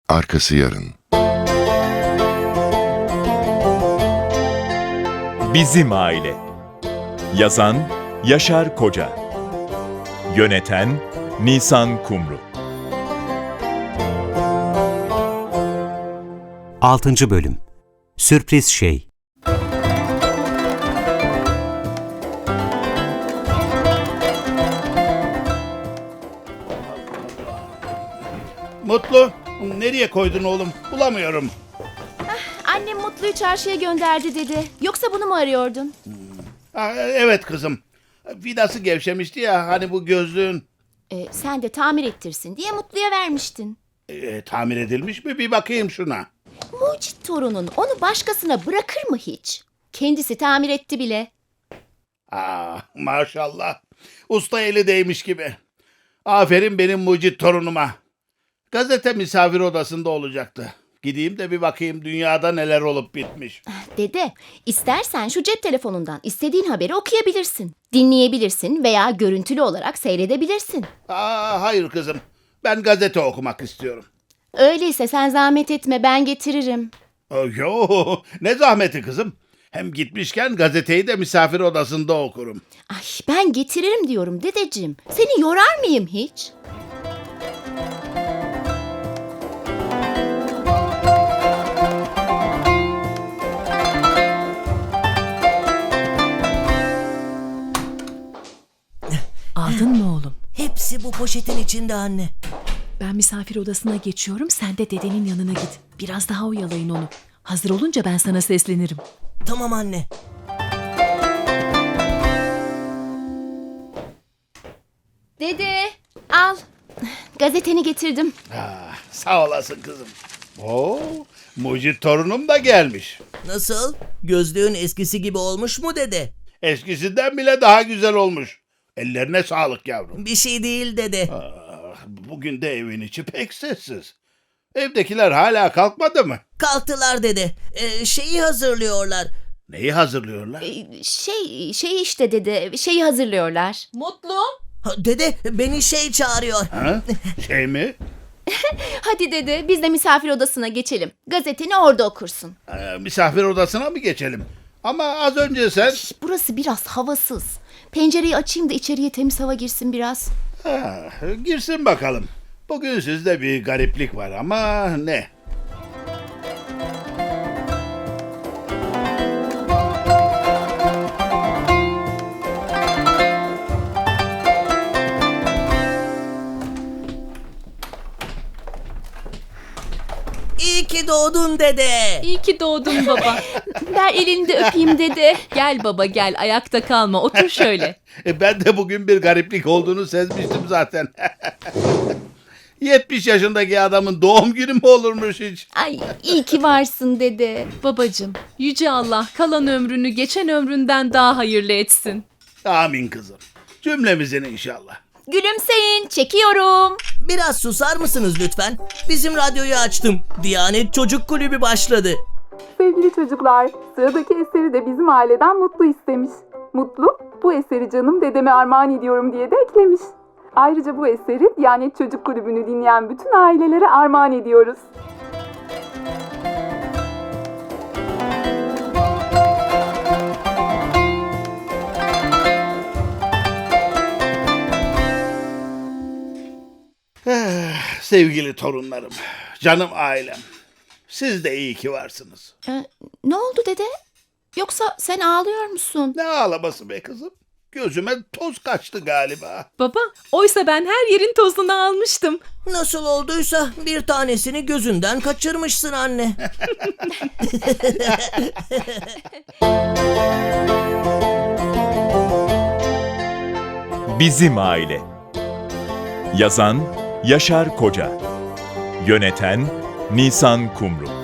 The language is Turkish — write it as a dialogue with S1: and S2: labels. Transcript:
S1: Arkası yarın.
S2: Bizim Aile. Yazan Yaşar Koca. Yöneten Nisan Kumru.
S3: 6. Bölüm. Sürpriz Şey.
S4: Mutlu, nereye koydun oğlum? Bulamıyorum.
S5: Annem Mutlu'yu çarşıya gönderdi dedi. Yoksa bunu mu arıyordun?
S4: Evet kızım. Vidası gevşemişti ya hani bu gözlüğün.
S5: Sen de tamir ettirsin diye Mutlu'ya vermiştin.
S4: Tamir edilmiş mi? Bir bakayım şuna.
S5: Mucit torunun onu başkasına bırakır mı hiç? Kendisi tamir etti bile.
S4: Maşallah. Usta eli değmiş gibi. Aferin benim mucit torunuma. Gazete misafir odasında olacaktı. Gideyim de bir bakayım dünyada neler olup bitmiş.
S5: Dede, istersen şu cep telefonundan istediğin haberi okuyabilirsin. Dinleyebilirsin veya görüntülü olarak seyredebilirsin.
S4: Hayır kızım. Ben gazete okumak istiyorum.
S5: Öyleyse sen zahmet etme, ben getiririm.
S4: Yo, ne zahmeti kızım. Hem gitmişken gazeteyi de misafir odasında okurum.
S5: Ay, ben getiririm diyorum dedeciğim. Seni yorar mıyım hiç?
S6: Aldın mı oğlum?
S7: Hepsi bu poşetin içinde anne.
S6: Ben misafir odasına geçiyorum, sen de dedenin yanına git. Biraz daha oyalayın onu. Hazır olunca ben sana seslenirim.
S7: Tamam anne.
S5: Dede, al. Gazeteni getirdim.
S4: Sağ olasın kızım. Mucit torunum da gelmiş.
S7: Nasıl? Gözlüğün eskisi gibi olmuş mu dede?
S4: Eskisinden bile daha güzel olmuş. Ellerine sağlık yavrum.
S7: Bir şey değil dede.
S4: Bugün de evin içi pek sessiz. Evdekiler hala kalkmadı mı?
S7: Kalktılar dede. Şeyi hazırlıyorlar.
S4: Neyi hazırlıyorlar?
S5: Şey işte dede, şeyi hazırlıyorlar.
S6: Mutlu?
S7: Dede beni şey çağırıyor.
S4: Ha? Şey mi?
S5: Hadi dede, biz de misafir odasına geçelim. Gazeteni orada okursun.
S4: Misafir odasına mı geçelim? Ama az önce sen...
S5: Burası biraz havasız. Pencereyi açayım da içeriye temiz hava girsin biraz.
S4: Girsin bakalım. Bugün sizde bir gariplik var ama ne?
S7: İyi ki doğdun dede.
S6: İyi ki doğdun baba.
S5: Ver elini de öpeyim dede.
S6: Gel baba gel, ayakta kalma, otur şöyle.
S4: Ben de bugün bir gariplik olduğunu sezmiştim zaten. 70 yaşındaki adamın doğum günü mü olurmuş hiç?
S5: Ay, iyi ki varsın dede.
S6: Babacığım, Yüce Allah kalan ömrünü geçen ömründen daha hayırlı etsin.
S4: Amin kızım. Cümlemizin inşallah.
S5: Gülümseyin, çekiyorum.
S7: Biraz susar mısınız lütfen? Bizim radyoyu açtım. Diyanet Çocuk Kulübü başladı.
S8: Sevgili çocuklar, sıradaki eseri de bizim aileden Mutlu istemiş. Mutlu, bu eseri canım dedeme armağan ediyorum diye de eklemiş. Ayrıca bu eseri Diyanet Çocuk Kulübü'nü dinleyen bütün ailelere armağan ediyoruz.
S4: Sevgili torunlarım, canım ailem. Siz de iyi ki varsınız.
S5: Ne oldu dede? Yoksa sen ağlıyor musun?
S4: Ne ağlaması be kızım? Gözüme toz kaçtı galiba.
S6: Baba, oysa ben her yerin tozunu almıştım.
S7: Nasıl olduysa bir tanesini gözünden kaçırmışsın anne.
S2: Bizim Aile. Yazan Yaşar Koca. Yöneten Nisan Kumru.